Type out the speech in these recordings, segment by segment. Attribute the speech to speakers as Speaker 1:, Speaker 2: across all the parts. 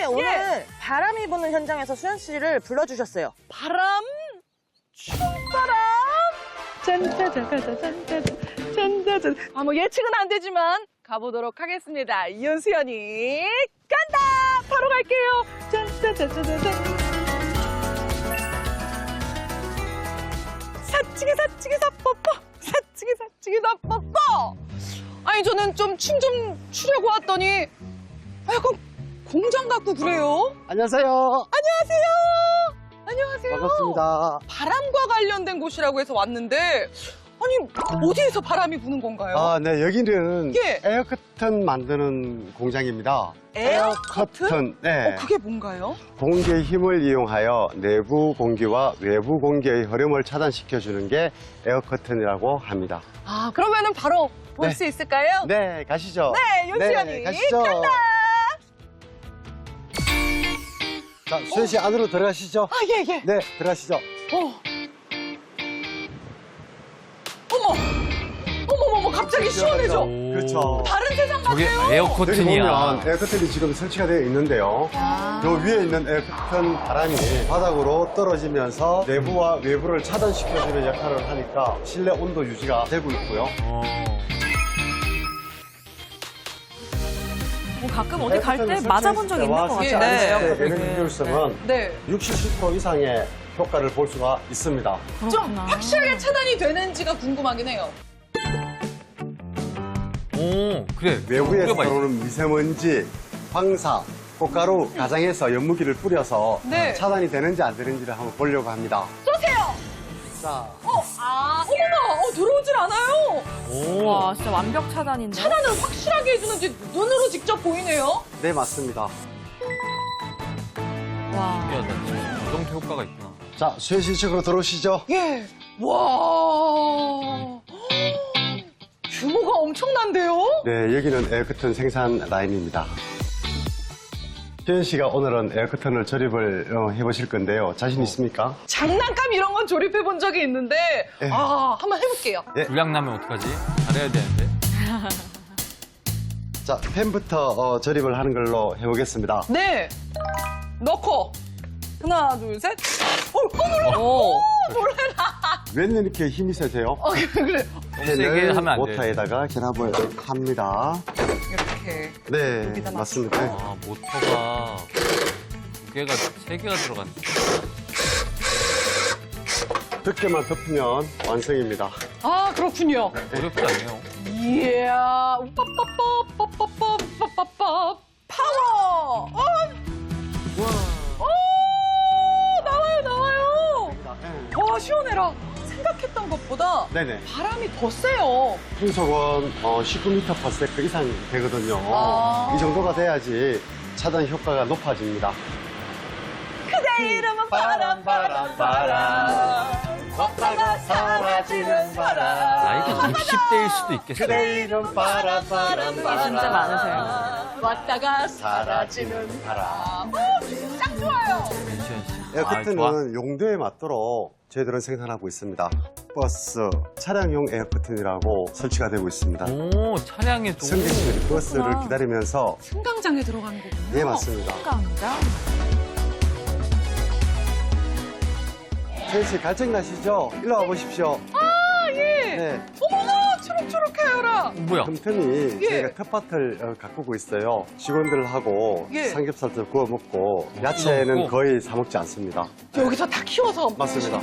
Speaker 1: 오늘 바람이 부는 현장에서 수현 씨를 불러주셨어요.
Speaker 2: 바람, 춤바람. 짠짜자자자짠짜잔. 뭐 예측은 안 되지만 가보도록 하겠습니다. 이윤수연이 간다. 바로 갈게요. 짠짜자자자잔. 사치기 사뽀뽀. 사치기 사뽀뽀. 아니 저는 좀 춤 좀 추려고 왔더니 약간 공장 같고 그래요.
Speaker 3: 안녕하세요.
Speaker 2: 안녕하세요.
Speaker 3: 반갑습니다.
Speaker 2: 바람과 관련된 곳이라고 해서 왔는데 아니 어디에서 바람이 부는 건가요?
Speaker 3: 아, 네, 여기는
Speaker 2: 예.
Speaker 3: 에어커튼 만드는 공장입니다.
Speaker 2: 에어커튼?
Speaker 3: 네.
Speaker 2: 그게 뭔가요?
Speaker 3: 공기의 힘을 이용하여 내부 공기와 외부 공기의 흐름을 차단시켜주는 게 에어커튼이라고 합니다.
Speaker 2: 아 그러면은 바로 볼
Speaker 3: 네.
Speaker 2: 수 있을까요?
Speaker 3: 네, 가시죠.
Speaker 2: 네, 윤수연이
Speaker 3: 네, 가시죠.
Speaker 2: 간다.
Speaker 3: 자, 수현 씨 안으로 들어가시죠.
Speaker 2: 아 예.
Speaker 3: 네, 들어가시죠.
Speaker 2: 어머 갑자기 시원해져.
Speaker 3: 그렇죠.
Speaker 2: 다른 세상
Speaker 4: 저게
Speaker 2: 같아요.
Speaker 3: 여기
Speaker 4: 에어커튼이야.
Speaker 3: 보면 에어커튼이 지금 설치가 되어 있는데요. 요 위에 있는 에어커튼 바람이 바닥으로 떨어지면서 내부와 외부를 차단시켜주는 역할을 하니까 실내 온도 유지가 되고 있고요.
Speaker 5: 가끔 어디 갈 때 맞아본 적 있는 것 같아요.
Speaker 2: 네.
Speaker 3: 에너지 효율성은
Speaker 2: 네.
Speaker 3: 60, 70% 이상의 효과를 볼 수가 있습니다.
Speaker 2: 좀 확실하게 차단이 되는지가 궁금하긴 해요.
Speaker 4: 오, 그래.
Speaker 3: 외부에서
Speaker 4: 뿌려봐, 이거.
Speaker 3: 들어오는 미세먼지, 황사, 꽃가루, 가장에서 연무기를 뿌려서
Speaker 2: 네.
Speaker 3: 차단이 되는지 안 되는지를 한번 보려고 합니다.
Speaker 2: 쏘세요.
Speaker 3: 자,
Speaker 2: 어머나, 들어오질 않아요.
Speaker 4: 오.
Speaker 5: 와, 진짜 완벽 차단인데.
Speaker 2: 차단을 확실하게 해주는지 눈으로 직접 보이네요.
Speaker 3: 네, 맞습니다.
Speaker 5: 와.
Speaker 4: 신기하다. 진짜 자동태 효과가 있구나.
Speaker 3: 자, 수현 씨 측으로 들어오시죠.
Speaker 2: 예. 와. 규모가 엄청난데요?
Speaker 3: 네, 여기는 에어커튼 생산 라인입니다. 수현 씨가 오늘은 에어커튼을 조립을 해보실 건데요. 자신 있습니까?
Speaker 2: 장난감 이런 건 조립해 본 적이 있는데,
Speaker 3: 예.
Speaker 2: 한번 해볼게요.
Speaker 4: 불량 나면 어떡하지? 잘해야 되는데.
Speaker 3: 자, 펜부터 조립을 하는 걸로 해보겠습니다.
Speaker 2: 네. 넣고. 하나, 둘, 셋. 놀라. 놀래라.
Speaker 3: 웬일 이렇게 힘이 세세요?
Speaker 2: 그래.
Speaker 4: 너무 세게 하면 안 돼.
Speaker 3: 모터에다가 결합을 합니다.
Speaker 2: 이렇게.
Speaker 3: 네,
Speaker 2: 여기다
Speaker 3: 맞습니다.
Speaker 4: 아, 모터가 두 개가, 세 개가 들어갔네.
Speaker 3: 두께만 덮으면 완성입니다.
Speaker 2: 아, 그렇군요.
Speaker 4: 어렵지 않네요.
Speaker 2: 이야. 빠빠빠빠빠빠빠빠. 파워. 나와요. 와, 시원해라. 생각했던 것보다
Speaker 3: 네네.
Speaker 2: 바람이 더 세요.
Speaker 3: 풍속은 19m/s 이상 되거든요.
Speaker 2: 아.
Speaker 3: 이 정도가 돼야지 차단 효과가 높아집니다.
Speaker 2: 그대 이름은 바람. 걷다가 사라지는 바람.
Speaker 4: 나이가 60대일 수도 있겠어요.
Speaker 3: 이름 바람.
Speaker 5: 진짜 많으세요.
Speaker 2: 왔다가 사라지는 바람. 딱 좋아요.
Speaker 4: 윤시현 씨. 아, 좋아.
Speaker 3: 에어커튼은 용도에 맞도록 저희들은 생산하고 있습니다. 버스, 차량용 에어커튼이라고 설치가 되고 있습니다.
Speaker 4: 오, 차량에도.
Speaker 3: 승객들이 버스를 기다리면서
Speaker 2: 승강장에 들어가는 거군요.
Speaker 3: 네, 맞습니다.
Speaker 5: 깜짝.
Speaker 3: 수현 씨 갈증 나시죠? 일로 와 보십시오.
Speaker 2: 예.
Speaker 3: 네,
Speaker 2: 어머나, 초록초록해요라.
Speaker 4: 뭐야?
Speaker 3: 틈틈이
Speaker 2: 예.
Speaker 3: 저희가 텃밭을 가꾸고 있어요. 직원들하고
Speaker 2: 예.
Speaker 3: 삼겹살도 구워 먹고 야채는
Speaker 4: 먹고?
Speaker 3: 거의 사 먹지 않습니다.
Speaker 2: 여기서 다 키워서.
Speaker 3: 맞습니다.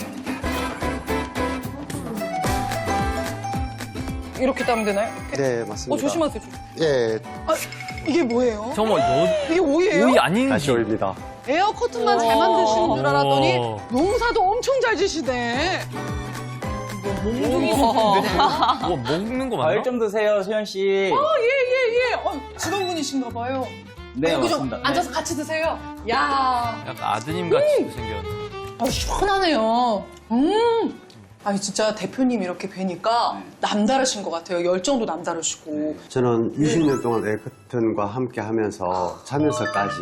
Speaker 2: 이렇게 따면 되나요?
Speaker 3: 네, 맞습니다.
Speaker 2: 조심하세요.
Speaker 3: 예,
Speaker 2: 아, 이게 뭐예요?
Speaker 4: 정말
Speaker 2: 이게 오이예요?
Speaker 4: 오이 아닌지.
Speaker 3: 다시 올립니다.
Speaker 2: 에어커튼만 잘 만드시는 줄 알았더니
Speaker 4: 오.
Speaker 2: 농사도 엄청 잘 지시네.
Speaker 5: 몽둥이
Speaker 4: 와, 먹는 거 맞나?
Speaker 6: 과일 좀 드세요, 수현 씨.
Speaker 2: 예. 직원분이신가 봐요.
Speaker 6: 네,
Speaker 2: 여기 좀
Speaker 6: 맞습니다.
Speaker 2: 앉아서 같이 드세요. 야,
Speaker 4: 약간 아드님 같이 생겼네.
Speaker 2: 시원하네요. 아니 진짜 대표님 이렇게 뵈니까 남다르신 것 같아요. 열정도 남다르시고.
Speaker 3: 저는 20년 동안 에어커튼과 함께 하면서 자면서까지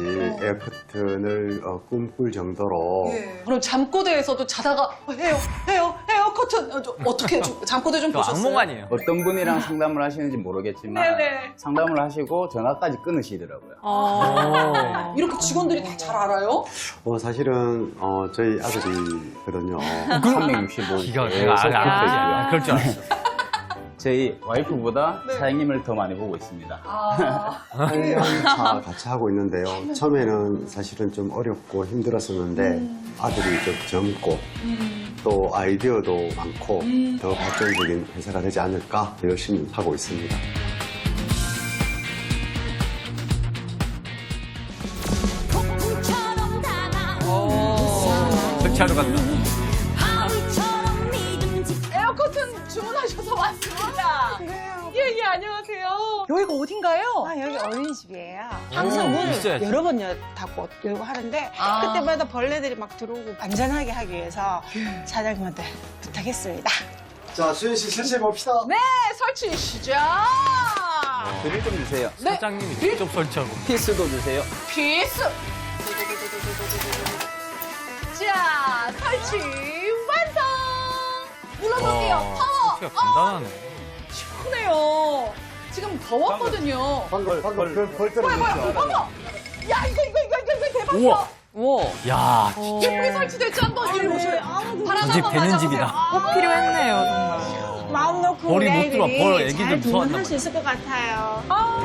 Speaker 3: 에어커튼을 꿈꿀 정도로
Speaker 2: 그럼 잠꼬대에서도 자다가 해요. 에어커튼 어떻게 잠꼬대 좀
Speaker 4: 저
Speaker 2: 보셨어요?
Speaker 4: 악몽 아니에요?
Speaker 6: 어떤 분이랑 상담을 하시는지 모르겠지만
Speaker 2: 네네.
Speaker 6: 상담을 하시고 전화까지 끊으시더라고요.
Speaker 2: 이렇게 직원들이 다 잘 알아요?
Speaker 3: 사실은 저희 아들이거든요.
Speaker 6: 365.
Speaker 4: 기가
Speaker 6: 예,
Speaker 4: 내가
Speaker 6: 속도 있고요.
Speaker 4: 그럴 줄 알았어.
Speaker 6: 저희 와이프보다
Speaker 2: 네.
Speaker 6: 사장님을 더 많이 보고 있습니다.
Speaker 3: 차 같이 하고 있는데요. 처음에는 사실은 좀 어렵고 힘들었었는데 아들이 좀 젊고 또 아이디어도 많고 더 발전적인 회사가 되지 않을까 열심히 하고 있습니다.
Speaker 7: 폭풍처럼 다가온
Speaker 4: 설치하러 간다.
Speaker 7: 바위처럼 믿음직
Speaker 2: 에어커튼 주문하셔서 왔습니다. 예, 안녕하세요. 여기가 어딘가요?
Speaker 8: 아, 여기 어린이집이에요.
Speaker 4: 오,
Speaker 8: 항상 문을
Speaker 4: 있어야지.
Speaker 8: 여러 번 닫고 열고 하는데 그때마다 벌레들이 막 들어오고 안전하게 하기 위해서 사장님한테 부탁했습니다.
Speaker 3: 자, 수현 씨 설치해 봅시다.
Speaker 2: 네, 설치 시작!
Speaker 6: 드릴 좀 주세요.
Speaker 4: 사장님이 직접 설치하고.
Speaker 6: 피스도 주세요.
Speaker 2: 피스! 자, 설치 완성! 눌러볼게요. 파워!
Speaker 4: 설치가 간단하네.
Speaker 2: 시원해요. 지금 더웠거든요.
Speaker 3: 방금 벌 떨어졌죠?
Speaker 2: 어머! 야, 이거 대박이야.
Speaker 4: 우와.
Speaker 5: 우와.
Speaker 4: 야,
Speaker 2: 예쁘게 설치됐죠? 한번 이리 오셔요. 바람
Speaker 4: 집
Speaker 2: 한번
Speaker 4: 되는
Speaker 2: 맞아보세요.
Speaker 4: 집이다.
Speaker 5: 꼭 필요했네요, 정말.
Speaker 8: 마음 놓고
Speaker 4: 벌이
Speaker 8: 우리
Speaker 4: 못 들어와.
Speaker 8: 아이들이
Speaker 4: 벌 애기들
Speaker 8: 잘
Speaker 4: 무서워한단
Speaker 8: 동원할 수
Speaker 4: 말이야.
Speaker 8: 있을 것 같아요.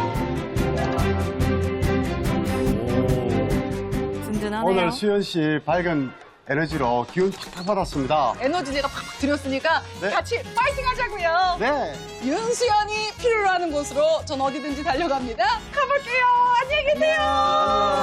Speaker 5: 든든하네요.
Speaker 3: 오늘 수현 씨 밝은 에너지로 기운 팍팍 받았습니다.
Speaker 2: 에너지 제가 팍팍 드렸으니까
Speaker 3: 네.
Speaker 2: 같이 파이팅 하자고요.
Speaker 3: 네.
Speaker 2: 윤수연이 필요로 하는 곳으로 전 어디든지 달려갑니다. 가볼게요. 안녕히 계세요.